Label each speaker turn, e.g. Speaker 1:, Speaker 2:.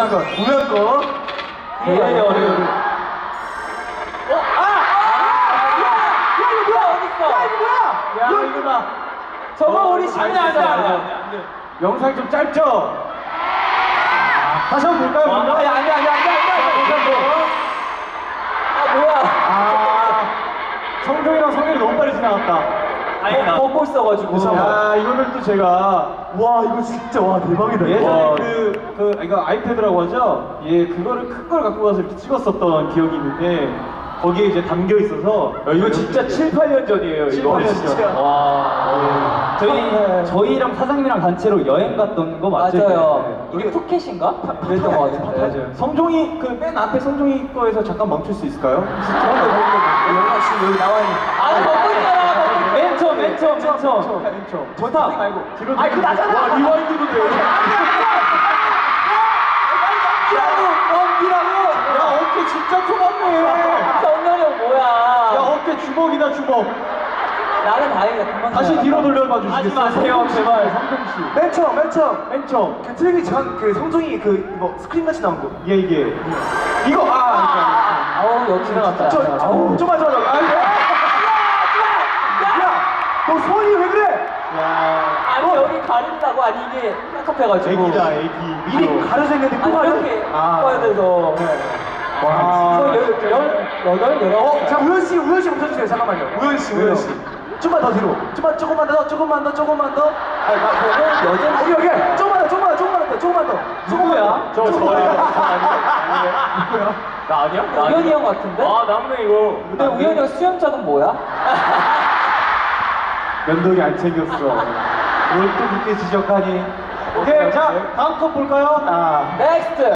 Speaker 1: 우면 거.
Speaker 2: 굉장히 어려운.
Speaker 1: 야, 이거다.
Speaker 2: 저거 우리 시간이 안 돼.
Speaker 1: 영상이 좀 짧죠? 다시 한번 볼까요?
Speaker 2: 아니. 뭐야?
Speaker 1: 성종이랑 성현이 너무 빨리 지나갔다.
Speaker 2: 아니다. 먹고 있어가지고.
Speaker 1: 야, 이거를 또 제가
Speaker 3: 와 이거 진짜 와 대박이다.
Speaker 1: 예전에
Speaker 3: 와.
Speaker 1: 이거 아이패드라고 하죠? 예, 그거를 큰 걸 갖고 가서 이렇게 찍었었던 기억이 있는데 거기에 이제 담겨 있어서
Speaker 3: 이거 진짜 7, 8년 전이에요.
Speaker 1: 7,
Speaker 3: 이거
Speaker 1: 8년
Speaker 3: 진짜.
Speaker 1: 전.
Speaker 3: 와. 저희랑 사장님이랑 단체로 여행 갔던 거 맞죠?
Speaker 2: 맞아요. 이게 푸켓인가? 그랬던 것 같은데.
Speaker 1: 맞아요. 성종이 그 맨 앞에 성종이 거에서 잠깐 멈출 수 있을까요?
Speaker 2: 영화 지금 여기 나와 있는. 먹고 있잖아.
Speaker 3: 맨 처음.
Speaker 1: 좋다 말고 뒤로.
Speaker 3: 아니, 그 나잖아.
Speaker 1: 와, 리와인드도 돼요. 야, 어깨 진짜 좁았네.
Speaker 2: 성렬이 형 뭐야?
Speaker 1: 야, 어깨 주먹이다 주먹.
Speaker 2: 나는 다행이다. 금방
Speaker 1: 다시
Speaker 2: 지나갔다.
Speaker 1: 뒤로 돌려봐 주시겠어요?
Speaker 3: 마세요, 제발.
Speaker 1: 성종 씨.
Speaker 3: 맨 처음.
Speaker 1: 맨 처음.
Speaker 3: 그 틀기 전 그 성종이 그 이거 스크린 같이 나온 거.
Speaker 1: 이게 이거
Speaker 2: 아우 여기 지나갔다.
Speaker 3: 좀만. 너 손이 왜 그래?
Speaker 1: 야,
Speaker 2: 아니 여기 가린다고 아니 이게 깝깝해가지고.
Speaker 1: 애기다 애기.
Speaker 3: 미리 가려져 있는데
Speaker 2: 아니
Speaker 3: 꼬마를.
Speaker 2: 이렇게 꺼야 돼서.
Speaker 1: 와.
Speaker 3: 자 우현 씨 멈춰주세요. 잠깐만요. 우현 씨. 좀만 더 뒤로. 조금만 더.
Speaker 2: 아니 나 보고 여전.
Speaker 3: 여기. 조금만 더.
Speaker 1: 누구야? 저예요.
Speaker 3: 누구야?
Speaker 1: 나 아니야?
Speaker 2: 우현이 형 같은데?
Speaker 1: 남네 이거.
Speaker 2: 근데 우현이 형 수염작은 뭐야?
Speaker 1: 면도기 안 챙겼어. 뭘 또 그렇게 지적하니? 오케이, 자 다음 컷 볼까요?
Speaker 2: 넥스트.